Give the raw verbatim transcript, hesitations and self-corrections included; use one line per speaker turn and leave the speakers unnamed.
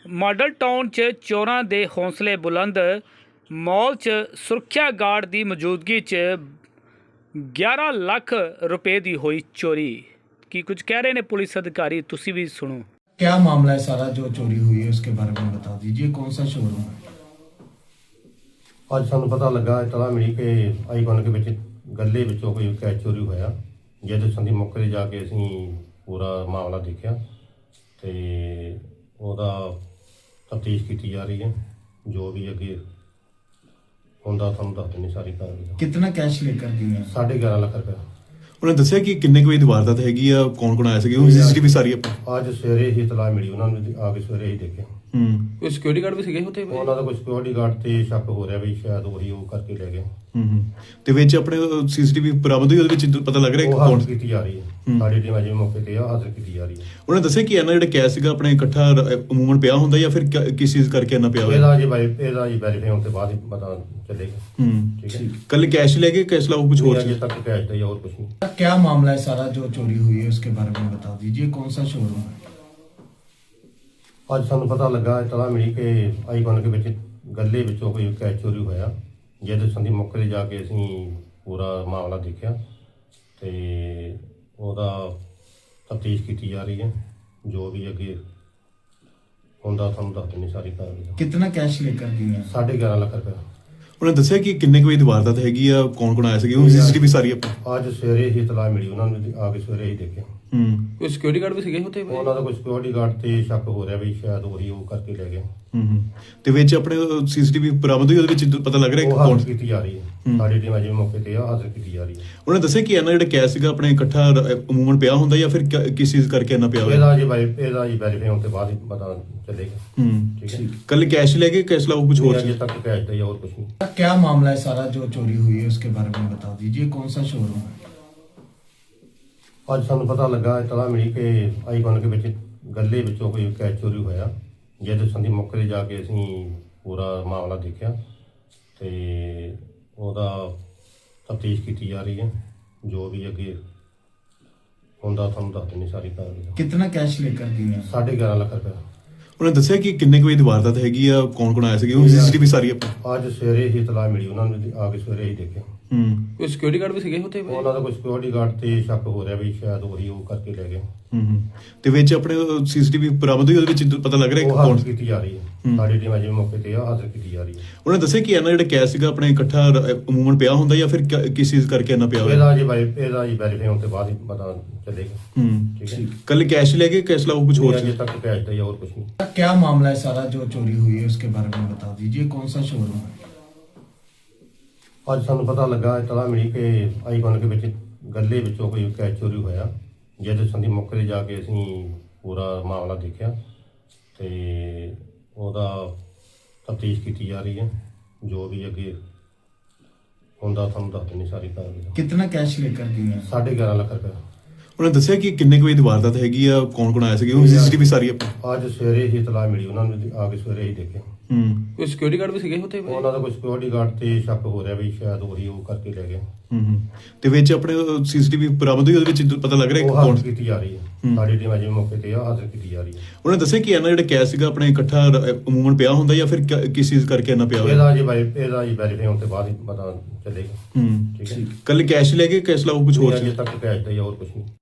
Model town 'ਚ ਚੋਰਾਂ ਦੇ ਹੌਸਲੇ ਬੁਲੰਦ। ਮਾਲ 'ਚ ਸੁਰੱਖਿਆ ਗਾਰਡ ਦੀ ਮੌਜੂਦਗੀ 'ਚ ਗਿਆਰਾਂ ਲੱਖ रुपए ਦੀ ਹੋਈ चोरी। ਕੀ कुछ कह रहे हैं पुलिस अधिकारी, तुसी भी सुनो।
क्या मामला है सारा जो चोरी हुई है उसके बारे में बता दीजिए, कौन सा शोरूम है?
ਅੱਜ ਸਾਨੂੰ ਪਤਾ ਲੱਗਾ ਇਤਲਾ ਮਿਲੀ ਕਿ ਆਈਕਨ ਦੇ ਵਿੱਚ ਗੱਲੇ ਵਿੱਚੋਂ ਕੋਈ ਕੈਸ਼ ਚੋਰੀ ਹੋਇਆ। ਜਿਹਦੇ ਸੰਦੀ ਮੌਕੇ ਤੇ ਜਾ ਕੇ ਅਸੀਂ ਪੂਰਾ ਮਾਮਲਾ ਦੇਖਿਆ ਤੇ ਉਹਦਾ ਤਫਤੀਸ਼ ਕੀਤੀ ਜਾ ਰਹੀ ਹੈ। ਜੋ ਵੀ ਅੱਗੇ ਹੁੰਦਾ ਤੁਹਾਨੂੰ ਦੱਸ ਦਿੰਦੇ ਸਾਰੀ ਕਾਰਵਾਈ।
कितना कैश लेकर गए हैं?
ਸਾਢੇ ਗਿਆਰਾਂ ਲੱਖ ਰੁਪਏ।
ਉਹਨੇ ਦੱਸਿਆ ਕਿ ਕਿੰਨੇ ਕੁ ਵਜੇ ਦੀ ਵਾਰਦਾਤ ਹੈਗੀ ਆ, ਕੌਣ ਕੌਣ ਆਇਆ ਸੀਗਾ, ਉਹ ਸੀਸੀਟੀਵੀ ਸਾਰੀ ਆਪਾਂ
ਅੱਜ ਸਵੇਰੇ ਹੀ ਇਤਲਾ ਮਿਲੀ, ਉਹਨਾਂ ਨੂੰ ਆ ਕੇ ਸਵੇਰੇ ਹੀ ਦੇਖਿਆ।
ਹੂੰ
ਕੋਈ ਸਿਕਿਉਰਿਟੀ ਗਾਰਡ ਵੀ ਸੀਗੇ ਉੱਥੇ?
ਉਹਨਾਂ ਦਾ ਕੋਈ ਸਿਕਿਉਰਿਟੀ ਗਾਰਡ ਤੇ ਸ਼ੱਕ ਹੋ ਰਿਹਾ ਵੀ ਸ਼ਾਇਦ ਉਹੀ ਉਹ ਕਰਕੇ ਲੈ ਗਏ।
ਹੂੰ ਹੂੰ ਤੇ ਵਿੱਚ ਆਪਣੇ ਸੀਸੀਟੀਵੀ ਬਰਾਮਦ ਹੋਈ, ਉਹਦੇ ਵਿੱਚ ਪਤਾ ਲੱਗ ਰਿਹਾ
ਉਹ
ਕਿ ਕੌਣ।
ਹਾਜ਼ਰ ਕੀਤੀ ਜਾ ਰਹੀ ਹੈ, ਸਾਡੀ ਟੀਮ ਅਜੇ ਮੌਕੇ ਤੇ ਆ, ਹਾਜ਼ਰ ਕੀਤੀ ਜਾ ਰਹੀ ਹੈ।
ਉਹਨੇ ਦੱਸਿਆ ਕਿ ਇਹਨਾਂ ਜਿਹੜਾ ਕੈਸ਼ ਸੀਗਾ ਆਪਣੇ ਇਕੱਠਾ ਅਮੂਮਨ ਪਿਆ ਹੁੰਦਾ ਜਾਂ ਫਿਰ ਕ- ਕਿਸ ਚੀਜ਼ ਕਰਕੇ ਇਹਨਾਂ ਪਿਆ ਹੋਇਆ।
ਇਹਦਾ ਜੀ ਬਾਈ ਇਹਦਾ ਜੀ ਵੈਰੀਫਾਈ ਹੋਣ ਤੋਂ ਬਾਅਦ ਹੀ ਪਤਾ ਚੱਲੇਗਾ।
ਹੂੰ
ਠੀਕ ਹੈ,
ਕੱਲ ਕੈਸ਼ ਲੈ ਕੇ ਕੈਸ਼ ਲਾਓ ਕੁਝ ਹੋਰ
ਅਜੇ
ਸੀ।
ਤੱਕ ਕੈਸ਼ ਦਾ ਹੀ ਹੋਰ ਕੁਝ ਨਹੀਂ।
क्या मामला है सारा जो चोरी हुई है उसके बारे में बता दीजिए, कौन सा शोरूम है?
ਅੱਜ ਸਾਨੂੰ ਪਤਾ ਲੱਗਾ ਇਤਲਾ ਮਿਲੀ ਕਿ ਆਈਕਨ ਦੇ ਵਿੱਚ ਗੱਲੇ ਵਿੱਚੋਂ ਕੋਈ ਕੈਸ਼ ਚੋਰੀ ਹੋਇਆ। ਜਿਹਦੇ ਸੰਦੀ ਮੌਕੇ ਤੇ ਜਾ ਕੇ ਅਸੀਂ ਪੂਰਾ ਮਾਮਲਾ ਦੇਖਿਆ ਤੇ ਉਹਦਾ ਤਫਤੀਸ਼ ਕੀਤੀ ਜਾ ਰਹੀ ਹੈ। ਜੋ ਵੀ ਅੱਗੇ ਹੁੰਦਾ ਤੁਹਾਨੂੰ ਦੱਸ ਦਿੰਦੇ ਸਾਰੀ ਕਾਰਵਾਈ।
कितना कैश लेकर गए हैं?
ਸਾਢੇ ਗਿਆਰਾਂ ਲੱਖ ਰੁਪਏ।
ਉਹਨੇ ਦੱਸਿਆ ਕਿ ਕਿੰਨੇ ਕੁ ਵਜੇ ਦੀ ਵਾਰਦਾਤ ਹੈਗੀ ਆ, ਕੌਣ ਕੌਣ ਆਇਆ ਸੀਗਾ, ਉਹ ਸੀਸੀਟੀਵੀ ਸਾਰੀ ਆਪਾਂ
ਅੱਜ ਸਵੇਰੇ ਹੀ ਇਤਲਾ ਮਿਲੀ, ਉਹਨਾਂ ਨੂੰ ਆ ਕੇ ਸਵੇਰੇ ਹੀ ਦੇਖਿਆ।
ਹੂੰ
ਕੋਈ ਸਿਕਿਉਰਿਟੀ ਗਾਰਡ ਵੀ ਸੀਗੇ ਉੱਥੇ?
ਉਹਨਾਂ ਦਾ ਕੋਈ ਸਿਕਿਉਰਿਟੀ ਗਾਰਡ ਤੇ ਸ਼ੱਕ ਹੋ ਰਿਹਾ ਵੀ ਸ਼ਾਇਦ ਉਹੀ ਉਹ ਕਰਕੇ ਲੈ ਗਏ।
ਹੂੰ ਹੂੰ ਤੇ ਵਿੱਚ ਆਪਣੇ ਸੀਸੀਟੀਵੀ ਬਰਾਮਦ ਹੋਈ, ਉਹਦੇ ਵਿੱਚ ਪਤਾ ਲੱਗ ਰਿਹਾ ਕਿ
ਉਹ
ਕੌਣ।
ਹਾਜ਼ਰ ਕੀਤੀ ਜਾ ਰਹੀ ਹੈ, ਸਾਡੀ ਟੀਮ ਅਜੇ ਮੌਕੇ ਤੇ ਆ, ਹਾਜ਼ਰ ਕੀਤੀ ਜਾ ਰਹੀ ਹੈ।
ਉਹਨੇ ਦੱਸਿਆ ਕਿ ਇਹਨਾਂ ਜਿਹੜਾ ਕੈਸ਼ ਸੀਗਾ ਆਪਣੇ ਇਕੱਠਾ ਅਮੂਮਨ ਪਿਆ ਹੁੰਦਾ ਜਾਂ ਫਿਰ ਕ- ਕਿਸ ਚੀਜ਼ ਕਰਕੇ ਇਹਨਾਂ ਪਿਆ ਹੋਇਆ।
ਇਹਦਾ ਜੀ ਬਾਈ ਇਹਦਾ ਜੀ ਵੈਰੀਫਾਈ ਹੋਣ ਤੋਂ ਬਾਅਦ ਹੀ ਪਤਾ ਚੱਲੇਗਾ।
ਹੂੰ
ਠੀਕ ਹੈ,
ਕੱਲ ਕੈਸ਼ ਲੈ ਕੇ ਕੈਸ਼ ਲਾਓ ਕੁਝ ਹੋਰ
ਅਜੇ
ਸੀ।
ਤੱਕ ਕੈਸ਼ ਦਾ ਹੀ ਹੋਰ ਕੁਝ ਨਹੀਂ।
क्या मामला है सारा जो चोरी हुई है उसके बारे में बता दीजिए, कौन सा शोरूम है?
ਅੱਜ ਸਾਨੂੰ ਪਤਾ ਲੱਗਾ ਇਤਲਾ ਮਿਲੀ ਕਿ ਆਈਕਨ ਦੇ ਵਿੱਚ ਗੱਲੇ ਵਿੱਚੋਂ ਕੋਈ ਕੈਸ਼ ਚੋਰੀ ਹੋਇਆ। ਜਿਹਦੇ ਸੰਦੀ ਮੌਕੇ ਤੇ ਜਾ ਕੇ ਅਸੀਂ ਪੂਰਾ ਮਾਮਲਾ ਦੇਖਿਆ ਤੇ ਉਹਦਾ ਤਫਤੀਸ਼ ਕੀਤੀ ਜਾ ਰਹੀ ਹੈ। ਜੋ ਵੀ ਅੱਗੇ ਹੁੰਦਾ ਤੁਹਾਨੂੰ ਦੱਸ ਦਿੰਦੇ ਸਾਰੀ ਕਾਰਵਾਈ।
कितना कैश लेकर गए हैं?
ਸਾਢੇ ਗਿਆਰਾਂ ਲੱਖ ਰੁਪਏ।
ਉਹਨੇ ਦੱਸਿਆ ਕਿ ਕਿੰਨੇ ਕੁ ਵਜੇ ਦੀ ਵਾਰਦਾਤ ਹੈਗੀ ਆ, ਕੌਣ ਕੌਣ ਆਇਆ ਸੀਗਾ, ਉਹ ਸੀਸੀਟੀਵੀ ਸਾਰੀ ਆਪਾਂ
ਅੱਜ ਸਵੇਰੇ ਹੀ ਇਤਲਾ ਮਿਲੀ, ਉਹਨਾਂ ਨੂੰ ਆ ਕੇ ਸਵੇਰੇ ਹੀ ਦੇਖਿਆ।
ਹੂੰ
ਕੋਈ ਸਿਕਿਉਰਿਟੀ ਗਾਰਡ ਵੀ ਸੀਗੇ ਉੱਥੇ?
ਉਹਨਾਂ ਦਾ ਕੋਈ ਸਿਕਿਉਰਿਟੀ ਗਾਰਡ ਤੇ ਸ਼ੱਕ ਹੋ ਰਿਹਾ ਵੀ ਸ਼ਾਇਦ ਉਹੀ ਉਹ ਕਰਕੇ ਲੈ ਗਏ।
ਹੂੰ ਹੂੰ ਤੇ ਵਿੱਚ ਆਪਣੇ ਸੀਸੀਟੀਵੀ ਬਰਾਮਦ ਹੋਈ, ਉਹਦੇ ਵਿੱਚ ਪਤਾ ਲੱਗ ਰਿਹਾ ਕਿ
ਉਹ
ਕੌਣ।
ਹਾਜ਼ਰ ਕੀਤੀ ਜਾ ਰਹੀ ਹੈ, ਸਾਡੀ ਟੀਮ ਅਜੇ ਮੌਕੇ ਤੇ ਆ, ਹਾਜ਼ਰ ਕੀਤੀ ਜਾ ਰਹੀ ਹੈ।
ਉਹਨੇ ਦੱਸਿਆ ਕਿ ਇਹਨਾਂ ਜਿਹੜਾ ਕੈਸ਼ ਸੀਗਾ ਆਪਣੇ ਇਕੱਠਾ ਅਮੂਮਨ ਪਿਆ ਹੁੰਦਾ ਜਾਂ ਫਿਰ ਕ- ਕਿਸ ਚੀਜ਼ ਕਰਕੇ ਇਹਨਾਂ ਪਿਆ ਹੋਇਆ।
ਇਹਦਾ ਜੀ ਬਾਈ ਇਹਦਾ ਜੀ ਵੈਰੀਫਾਈ ਹੋਣ ਤੋਂ ਬਾਅਦ ਹੀ ਪਤਾ ਚੱਲੇਗਾ।
ਹੂੰ
ਠੀਕ ਹੈ,
ਕੱਲ ਕੈਸ਼ ਲੈ ਕੇ ਕੈਸ਼ ਲਾਓ ਕੁਝ ਹੋਰ
ਅਜੇ
ਸੀ।
ਤੱਕ ਕੈਸ਼ ਦਾ ਹੀ ਹੋਰ ਕੁਝ ਨਹੀਂ।
क्या मामला है सारा जो चोरी हुई है उसके बारे में बता दीजिए, कौन सा शोरूम है?
ਅੱਜ ਸਾਨੂੰ ਪਤਾ ਲੱਗਾ ਇਤਲਾ ਮਿਲੀ ਕਿ ਆਈਕਨ ਦੇ ਵਿੱਚ ਗੱਲੇ ਵਿੱਚੋਂ ਕੋਈ ਕੈਸ਼ ਚੋਰੀ ਹੋਇਆ। ਜਿਹਦੇ ਸੰਦੀ ਮੌਕੇ ਤੇ ਜਾ ਕੇ ਅਸੀਂ ਪੂਰਾ ਮਾਮਲਾ ਦੇਖਿਆ ਤੇ ਉਹਦਾ ਤਫਤੀਸ਼ ਕੀਤੀ ਜਾ ਰਹੀ ਹੈ। ਜੋ ਵੀ ਅੱਗੇ ਹੁੰਦਾ ਤੁਹਾਨੂੰ ਦੱਸ ਦਿੰਦੇ ਸਾਰੀ ਕਾਰਵਾਈ।
कितना कैश लेकर गए हैं?
ਸਾਢੇ ਗਿਆਰਾਂ ਲੱਖ ਰੁਪਏ।
ਉਹਨੇ ਦੱਸਿਆ ਕਿ ਕਿੰਨੇ ਕੁ ਵਜੇ ਦੀ ਵਾਰਦਾਤ ਹੈਗੀ ਆ, ਕੌਣ ਕੌਣ ਆਇਆ ਸੀਗਾ, ਉਹ ਸੀਸੀਟੀਵੀ ਸਾਰੀ ਆਪਾਂ
ਅੱਜ ਸਵੇਰੇ ਹੀ ਇਤਲਾ ਮਿਲੀ, ਉਹਨਾਂ ਨੂੰ ਆ ਕੇ ਸਵੇਰੇ ਹੀ ਦੇਖਿਆ।
ਹੂੰ
ਕੋਈ ਸਿਕਿਉਰਿਟੀ ਗਾਰਡ ਵੀ ਸੀਗੇ ਉੱਥੇ?
ਉਹਨਾਂ ਦਾ ਕੋਈ ਸਿਕਿਉਰਿਟੀ ਗਾਰਡ ਤੇ ਸ਼ੱਕ ਹੋ ਰਿਹਾ ਵੀ ਸ਼ਾਇਦ ਉਹੀ ਉਹ ਕਰਕੇ ਲੈ ਗਏ।
ਹੂੰ ਹੂੰ ਤੇ ਵਿੱਚ ਆਪਣੇ ਸੀਸੀਟੀਵੀ ਬਰਾਮਦ ਹੋਈ, ਉਹਦੇ ਵਿੱਚ ਪਤਾ ਲੱਗ ਰਿਹਾ
ਉਹ
ਕਿ ਕੌਣ।
ਹਾਜ਼ਰ ਕੀਤੀ ਜਾ ਰਹੀ ਹੈ, ਸਾਡੀ ਟੀਮ ਅਜੇ ਮੌਕੇ ਤੇ ਆ, ਹਾਜ਼ਰ ਕੀਤੀ ਜਾ ਰਹੀ ਹੈ।
ਉਹਨੇ ਦੱਸਿਆ ਕਿ ਇਹਨਾਂ ਜਿਹੜਾ ਕੈਸ਼ ਸੀਗਾ ਆਪਣੇ ਇਕੱਠਾ ਅਮੂਮਨ ਪਿਆ ਹੁੰਦਾ ਜਾਂ ਫਿਰ ਕ- ਕਿਸ ਚੀਜ਼ ਕਰਕੇ ਇਹਨਾਂ ਪਿਆ ਹੋਇਆ।
ਇਹਦਾ ਜੀ ਬਾਈ ਇਹਦਾ ਜੀ ਵੈਰੀਫਾਈ ਹੋਣ ਤੋਂ ਬਾਅਦ ਹੀ ਪਤਾ ਚੱਲੇਗਾ।
ਹੂੰ
ਠੀਕ ਹੈ,
ਕੱਲ ਕੈਸ਼ ਲੈ ਕੇ ਕੈਸ਼ ਲਾਓ ਕੁਝ ਹੋਰ
ਅਜੇ
ਸੀ।
ਤੱਕ ਕੈਸ਼ ਦਾ ਹੀ ਹੋਰ ਕੁਝ ਨਹੀਂ।